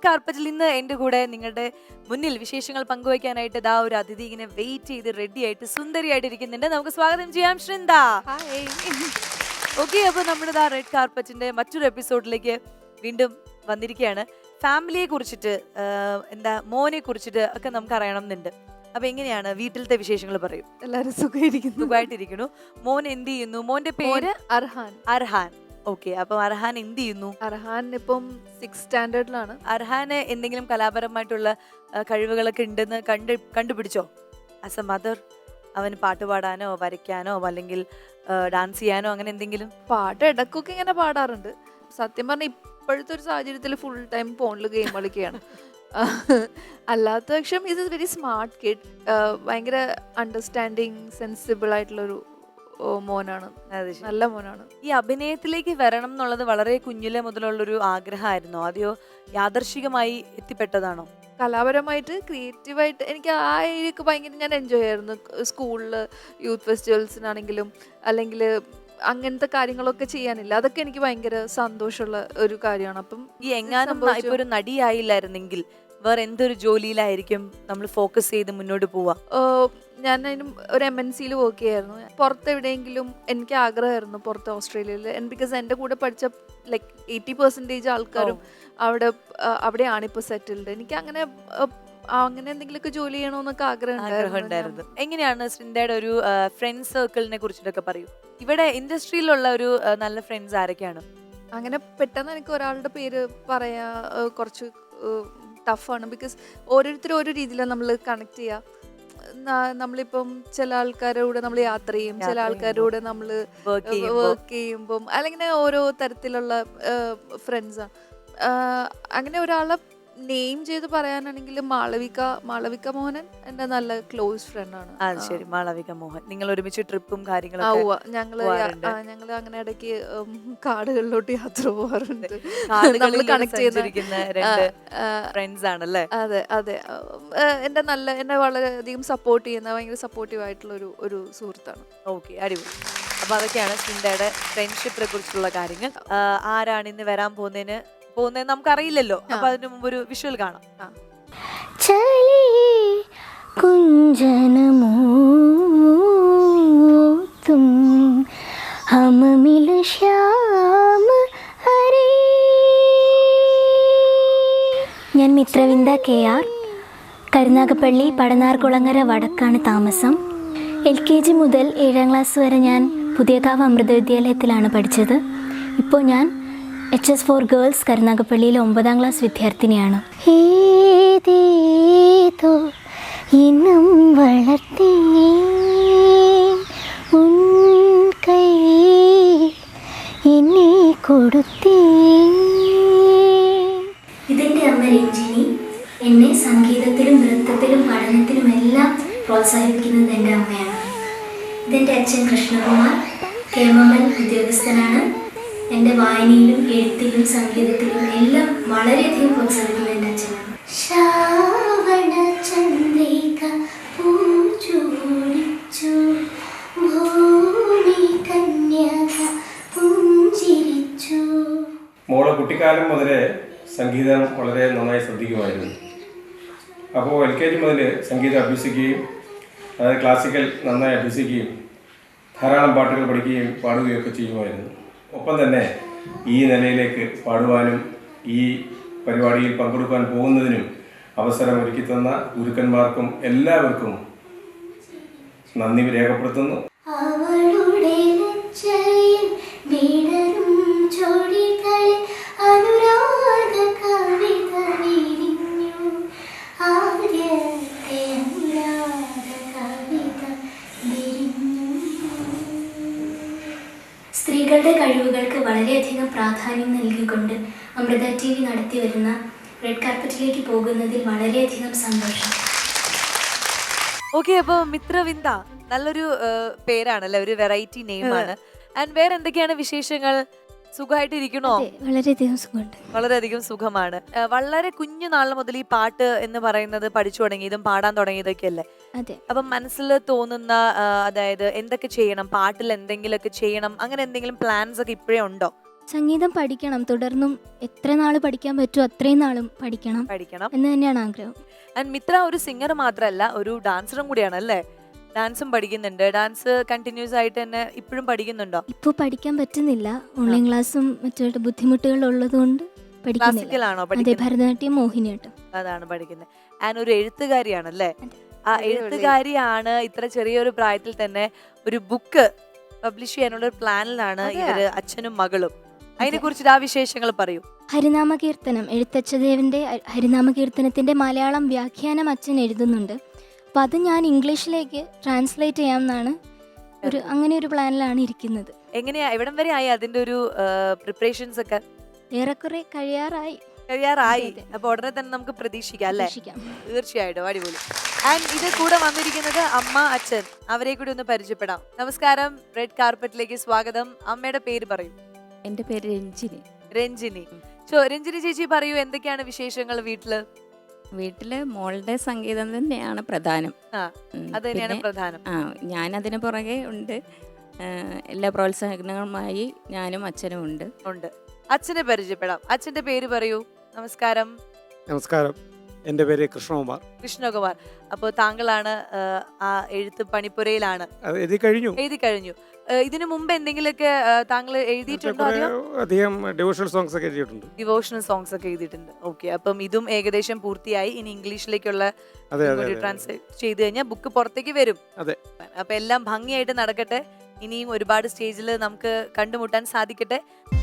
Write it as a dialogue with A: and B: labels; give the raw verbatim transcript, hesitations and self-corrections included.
A: Red കാർപ്പറ്റിൽ ഇന്ന് എൻ്റെ കൂടെ നിങ്ങളുടെ മുന്നിൽ വിശേഷങ്ങൾ പങ്കുവയ്ക്കാനായിട്ട് ഇതാ ഒരു അതിഥി ഇങ്ങനെ വെയിറ്റ് ചെയ്ത് റെഡി ആയിട്ട് സുന്ദരിയായിട്ട് ഇരിക്കുന്നുണ്ട്. നമുക്ക് സ്വാഗതം ചെയ്യാം ശൃന്ദ. ഓക്കെ, അപ്പോൾ നമ്മുടെ ഇതാ റെഡ് കാർപ്പറ്റിന്റെ മറ്റൊരു എപ്പിസോഡിലേക്ക് വീണ്ടും വന്നിരിക്കുകയാണ്. ഫാമിലിയെ കുറിച്ചിട്ട്, എന്താ മോനെ കുറിച്ചിട്ട് ഒക്കെ നമുക്ക് അറിയണം എന്നുണ്ട്. അപ്പൊ എങ്ങനെയാണ് വീട്ടിലത്തെ വിശേഷങ്ങൾ പറയൂ.
B: എല്ലാരും സുഖമായിരിക്കുന്നു,
A: സുഖമായിട്ടിരിക്കുന്നു. മോൻ എന്ത് ചെയ്യുന്നു? മോന്റെ പേര്
B: അർഹാൻ.
A: അർഹാൻ. ഓക്കെ, അപ്പൊ അർഹാൻ എന്ത് ചെയ്യുന്നു?
B: അർഹാൻ ഇപ്പം സിക്സ് സ്റ്റാൻഡേർഡിലാണ്.
A: അർഹാന് എന്തെങ്കിലും കലാപരമായിട്ടുള്ള കഴിവുകളൊക്കെ ഉണ്ടെന്ന് കണ്ട് കണ്ടുപിടിച്ചോ? ആസ് എ മദർ അവന് പാട്ട് പാടാനോ വരയ്ക്കാനോ അല്ലെങ്കിൽ ഡാൻസ് ചെയ്യാനോ അങ്ങനെ എന്തെങ്കിലും?
B: പാട്ട് ഇടക്കൊക്കെ ഇങ്ങനെ പാടാറുണ്ട്. സത്യം പറഞ്ഞാൽ ഇപ്പോഴത്തെ ഒരു സാഹചര്യത്തിൽ ഫുൾ ടൈം ഫോണിൽ ഗെയിം കളിക്കുകയാണ്. അല്ലാത്ത പക്ഷം ഇത് വെരി സ്മാർട്ട് കിഡ്, ഭയങ്കര അണ്ടർസ്റ്റാൻഡിങ് സെൻസിബിൾ ആയിട്ടുള്ളൊരു മോനാണ്, നല്ല മോനാണ്.
A: ഈ അഭിനയത്തിലേക്ക് വരണം എന്നുള്ളത് വളരെ കുഞ്ഞിലെ മുതലുള്ളൊരു ആഗ്രഹമായിരുന്നോ, അതെയോ യാദർശികമായി എത്തിപ്പെട്ടതാണോ?
B: കലാപരമായിട്ട് ക്രിയേറ്റീവായിട്ട് എനിക്ക് ആ ഏരിയക്ക് ഭയങ്കര ഞാൻ എൻജോയ് ആയിരുന്നു. സ്കൂളിൽ യൂത്ത് ഫെസ്റ്റിവൽസിനാണെങ്കിലും അല്ലെങ്കിൽ അങ്ങനത്തെ കാര്യങ്ങളൊക്കെ ചെയ്യാനില്ല, അതൊക്കെ എനിക്ക് ഭയങ്കര സന്തോഷമുള്ള ഒരു കാര്യമാണ്. അപ്പം
A: ഈ എങ്ങാനും ഇപ്പൊ ഒരു നടിയായില്ലായിരുന്നെങ്കിൽ വേറെ എന്തൊരു ജോലിയിലായിരിക്കും നമ്മൾ ഫോക്കസ് ചെയ്ത് മുന്നോട്ട് പോവാ?
B: ഞാൻ അതിനും ഒരു എം എൻ സിയിൽ വർക്ക് ചെയ്യായിരുന്നു. പുറത്ത് എവിടെയെങ്കിലും എനിക്ക് ആഗ്രഹമായിരുന്നു, പുറത്ത് ഓസ്ട്രേലിയയിൽ. ബിക്കോസ് എൻ്റെ കൂടെ പഠിച്ച ലൈക്ക് എയ്റ്റി പെർസെൻറ്റേജ് ആൾക്കാരും അവിടെ അവിടെയാണ് ഇപ്പോൾ സെറ്റിൽഡ്. എനിക്ക് അങ്ങനെ അങ്ങനെ എന്തെങ്കിലുമൊക്കെ ജോലി ചെയ്യണമെന്നൊക്കെ ആഗ്രഹം
A: ഉണ്ടായിരുന്നു. എങ്ങനെയാണ് ശൃന്ദയുടെ ഒരു ഫ്രണ്ട് സർക്കിളിനെ കുറിച്ചിട്ടൊക്കെ പറയൂ. ഇവിടെ ഇൻഡസ്ട്രിയിലുള്ള ഒരു നല്ല ഫ്രണ്ട്സ് ആരൊക്കെയാണ്?
B: അങ്ങനെ പെട്ടെന്ന് എനിക്ക് ഒരാളുടെ പേര് പറയാ കുറച്ച് ടഫാണ്. ബിക്കോസ് ഓരോരുത്തരും ഓരോ രീതിയിലാണ് നമ്മൾ കണക്ട് ചെയ്യുക. നമ്മളിപ്പം ചില ആൾക്കാരുടെ കൂടെ നമ്മൾ യാത്ര ചെയ്യും, ചില ആൾക്കാരുടെ കൂടെ നമ്മൾ വർക്ക് ചെയ്യുമ്പം അല്ലെങ്കിൽ ഓരോ തരത്തിലുള്ള ഫ്രണ്ട്സാണ്. അങ്ങനെ ഒരാളെ നെയിം ചെയ്ത് പറയാനാണെങ്കിൽ മാളവിക മാളവിക മോഹനൻ എൻ്റെ നല്ല ക്ലോസ് ഫ്രണ്ടാണ്.
A: ശരി, മാളവിക മോഹൻ. നിങ്ങൾ ഒരുമിച്ച് ട്രിപ്പും കാര്യങ്ങളും
B: ഞങ്ങള് ഞങ്ങള് അങ്ങനെ ഇടയ്ക്ക് കാടുകളിലോട്ട് യാത്ര പോകാറുണ്ട്. നമ്മൾ കണക്ട് ചെയ്യുന്ന
A: ഫ്രണ്ട്സ് ആണല്ലേ?
B: അതെ അതെ. എന്റെ നല്ല എന്നെ വളരെയധികം സപ്പോർട്ട് ചെയ്യുന്ന ഭയങ്കര സപ്പോർട്ടീവ് ആയിട്ടുള്ള ഒരു ഒരു സുഹൃത്താണ്.
A: ഓക്കെ, അടിപൊളി. അപ്പൊ അതൊക്കെയാണ് ശൃന്ദയുടെ ഫ്രണ്ട്ഷിപ്പിനെ കുറിച്ചുള്ള കാര്യങ്ങൾ. ആരാണ് ഇന്ന് വരാൻ പോകുന്നതിന് പോകുന്നത് നമുക്കറിയില്ലല്ലോ. അപ്പൊ അതിന് മുമ്പ് ഒരു വിഷ്വൽ കാണാം.
C: ഞാൻ മിത്രവിന്ദ കെ ആർ, കരുനാഗപ്പള്ളി പടനാർകുളങ്ങര വടക്കാണ് താമസം. എൽ കെ ജി മുതൽ ഏഴാം ക്ലാസ് വരെ ഞാൻ പുതിയകാവ് അമൃത വിദ്യാലയത്തിലാണ് പഠിച്ചത്. ഇപ്പോൾ ഞാൻ എച്ച് എസ് ഫോർ ഗേൾസ് കരുനാഗപ്പള്ളിയിലെ ഒമ്പതാം ക്ലാസ് വിദ്യാർത്ഥിനിയാണ്. ഏതേതോ ഇനം വളർത്തി ഉൻ കൈ എന്നെ കൊടുത്തേ. ഇതെൻ്റെ അമ്മ രഞ്ജിനി. എന്നെ സംഗീതത്തിലും നൃത്തത്തിലും പഠനത്തിലും എല്ലാം പ്രോത്സാഹിപ്പിക്കുന്നത് എൻ്റെ അമ്മയാണ്. ഇതെൻ്റെ അച്ഛൻ കൃഷ്ണകുമാർ, കേമമൽ ഉദ്യോഗസ്ഥനാണ്. എൻ്റെ വായനയിലും എഴുത്തിലും സംഗീതത്തിലും എല്ലാം വളരെയധികം പ്രോത്സാഹിക്കുന്നത് എൻ്റെ അച്ഛനാണ്. ശ്രാവണ ചന്ദ്രിക പൂജോടിച്ചു ഭൂമി കന്യക പുഞ്ചിരിച്ചു.
D: മോള് കുട്ടിക്കാലം മുതലേ സംഗീതം വളരെ നന്നായി ശ്രദ്ധിക്കുമായിരുന്നു. അപ്പോൾ എൽ കെ ജി മുതൽ സംഗീതം അഭ്യസിക്കുകയും അതായത് ക്ലാസിക്കൽ നന്നായി അഭ്യസിക്കുകയും ധാരാളം പാട്ടുകൾ പഠിക്കുകയും പാടുകയും ഒക്കെ ചെയ്യുമായിരുന്നു. ഒപ്പം തന്നെ ഈ നിലയിലേക്ക് പാടുവാനും ഈ പരിപാടിയിൽ പങ്കെടുക്കാൻ പോകുന്നതിനും അവസരം ഒരുക്കി തന്ന ഗുരുക്കന്മാർക്കും എല്ലാവർക്കും നന്ദി രേഖപ്പെടുത്തുന്നു.
C: സ്ത്രീകളുടെ കഴിവുകൾക്ക് വളരെയധികം പ്രാധാന്യം നൽകിക്കൊണ്ട് അമൃത ടി വി നടത്തി വരുന്ന റെഡ് കാർപ്പറ്റിലേക്ക് പോകുന്നതിൽ വളരെയധികം സന്തോഷം.
A: ഓക്കെ, അപ്പോൾ മിത്രവിന്ദ നല്ലൊരു പേരാണല്ലേ, ഒരു വെറൈറ്റി നെയിമാണ്. ആൻഡ് വേറെ എന്തൊക്കെയാണ് വിശേഷങ്ങൾ? സുഖമായിട്ടിരിക്കണോ?
C: വളരെയധികം സുഖമുണ്ട്.
A: വളരെയധികം സുഖമാണ്. വളരെ കുഞ്ഞു നാൾ മുതൽ ഈ പാട്ട് എന്ന് പറയുന്നത് പഠിച്ചു തുടങ്ങിയതും പാടാൻ തുടങ്ങിയതൊക്കെ അല്ലേ?
C: അതെ.
A: അപ്പം മനസ്സിൽ തോന്നുന്ന, അതായത് എന്തൊക്കെ ചെയ്യണം, പാട്ടിൽ എന്തെങ്കിലുമൊക്കെ ചെയ്യണം, അങ്ങനെ എന്തെങ്കിലും പ്ലാൻസ് ഒക്കെ ഇപ്പോഴേ ഉണ്ടോ?
C: സംഗീതം പഠിക്കണം, തുടർന്നും എത്ര നാൾ പഠിക്കാൻ പറ്റുമോ അത്രയും നാളും പഠിക്കണം
A: പഠിക്കണം
C: എന്ന് തന്നെയാണ് ആഗ്രഹം.
A: ആൻഡ് മിത്ര ഒരു സിംഗർ മാത്രമല്ല, ഒരു ഡാൻസറും കൂടിയാണ് അല്ലേ? ഡാൻസും പഠിക്കുന്നുണ്ട്. ഡാൻസ് കണ്ടിന്യൂസ് ആയിട്ട് തന്നെ ഇപ്പോഴും പഠിക്കുന്നുണ്ടോ?
C: ഇപ്പോൾ പഠിക്കാൻ പറ്റുന്നില്ല, ഓൺലൈൻ ക്ലാസ്സും മറ്റു ബുദ്ധിമുട്ടുകൾ ഉള്ളതുകൊണ്ട് പഠിക്കുന്നില്ല.
A: ക്ലാസിക്കലാണോ
C: അതെ,
A: പഠിക്കുന്നത്?
C: ഭരതനാട്യം, മോഹിനിയാട്ടം.
A: അതാണ് പഠിക്കുന്നത്. ആൻഡ് ഒരു എഴുത്തുകാരിയാണല്ലേ? ആ എഴുത്തുകാരിയാണ്. ഇത്ര ചെറിയൊരു പ്രായത്തിൽ തന്നെ ഒരു ബുക്ക് പബ്ലിഷ് ചെയ്യാനുള്ള ഒരു പ്ലാനിലാണ് ഇവര്, അച്ഛനും മകളും. അതിനെ കുറിച്ചിട്ട് ആ വിശേഷങ്ങൾ പറയൂ.
C: ഹരിനാമ കീർത്തനം, എഴുത്തച്ഛദേവന്റെ ഹരിനാമ കീർത്തനത്തിന്റെ മലയാളം വ്യാഖ്യാനം അച്ഛൻ എഴുതുന്നുണ്ട്. അപ്പം അത് ഞാൻ ഇംഗ്ലീഷിലേക്ക് ട്രാൻസ്ലേറ്റ് ചെയ്യാമെന്നാണ് ഒരു അങ്ങനെ ഒരു പ്ലാനിലാണ് ഇരിക്കുന്നത്.
A: എങ്ങനെയാ, എവിടം വരെ ആയി അതിന്റെ ഒരു പ്രിപ്പറേഷൻസ് ഒക്കെ?
C: ഏറെക്കുറെ കഴിയാറായി.
A: കഴിയാറായി. അപ്പൊ ഉടനെ തന്നെ നമുക്ക് പ്രതീക്ഷിക്കാം അല്ലേ?
C: പ്രതീക്ഷിക്കാം.
A: തീർച്ചയായിട്ടും, അടിപൊളി. ആൻഡ് ഇത് കൂടെ വന്നിരിക്കുന്നത് അമ്മ, അച്ഛൻ. അവരെ കൂടി ഒന്ന് പരിചയപ്പെടാം. നമസ്കാരം, റെഡ് കാർപ്പറ്റിലേക്ക് സ്വാഗതം. അമ്മയുടെ പേര് പറയൂ.
E: എൻ്റെ പേര് രഞ്ജിനി.
A: രഞ്ജിനി. ചോ രഞ്ജിനി ചേച്ചി പറയൂ, എന്തൊക്കെയാണ് വിശേഷങ്ങൾ വീട്ടില്?
E: വീട്ടില് മോളുടെ സംഗീതം തന്നെയാണ് പ്രധാനം.
A: ആ,
E: ഉം,
A: അത് തന്നെയാണ്
E: പിന്നെ,
A: പ്രധാനം.
E: ആ ഞാൻ അതിന് പുറകെ ഉണ്ട്. ആ, എല്ലാ പ്രോത്സാഹനങ്ങളുമായി ഞാനും അച്ഛനും ഉണ്ട്.
A: ഉണ്ട്. അച്ഛനെ പരിചയപ്പെടാം. അച്ഛന്റെ പേര് പറയൂ. നമസ്കാരം.
F: നമസ്കാരം, എൻ്റെ പേര് കൃഷ്ണകുമാർ.
A: കൃഷ്ണകുമാർ. അപ്പോൾ താങ്കളാണ് ആ, ആ എഴുത്ത് പണിപ്പുരയിലാണ്.
F: അത് എഴുതി കഴിഞ്ഞു.
A: എഴുതി കഴിഞ്ഞു. ആ, ഇതിനു മുമ്പ് എന്തെങ്കിലുമൊക്കെ ആ, താങ്കൾ എഴുതിയിട്ടുണ്ടോ?
F: കുറേ
A: അതെയോ
F: അധികം ഡിവോഷണൽ സോങ്സ് ഒക്കെ എഴുതിയിട്ടുണ്ട്.
A: ഡിവോഷണൽ സോങ്സ് ഒക്കെ എഴുതിയിട്ടുണ്ട്. ഓക്കെ, അപ്പം ഇതും ഏകദേശം പൂർത്തിയായി. ഇനി ഇംഗ്ലീഷിലേക്കുള്ള
F: അതെ അതെ അതെ
A: ട്രാൻസ്ലേറ്റ് ചെയ്ത് കഴിഞ്ഞാൽ ബുക്ക് പുറത്തേക്ക് വരും.
F: അതെ.
A: അപ്പൊ എല്ലാം ഭംഗിയായിട്ട് നടക്കട്ടെ. ഇനിയും ഒരുപാട് സ്റ്റേജിൽ നമുക്ക് കണ്ടുമുട്ടാൻ സാധിക്കട്ടെ.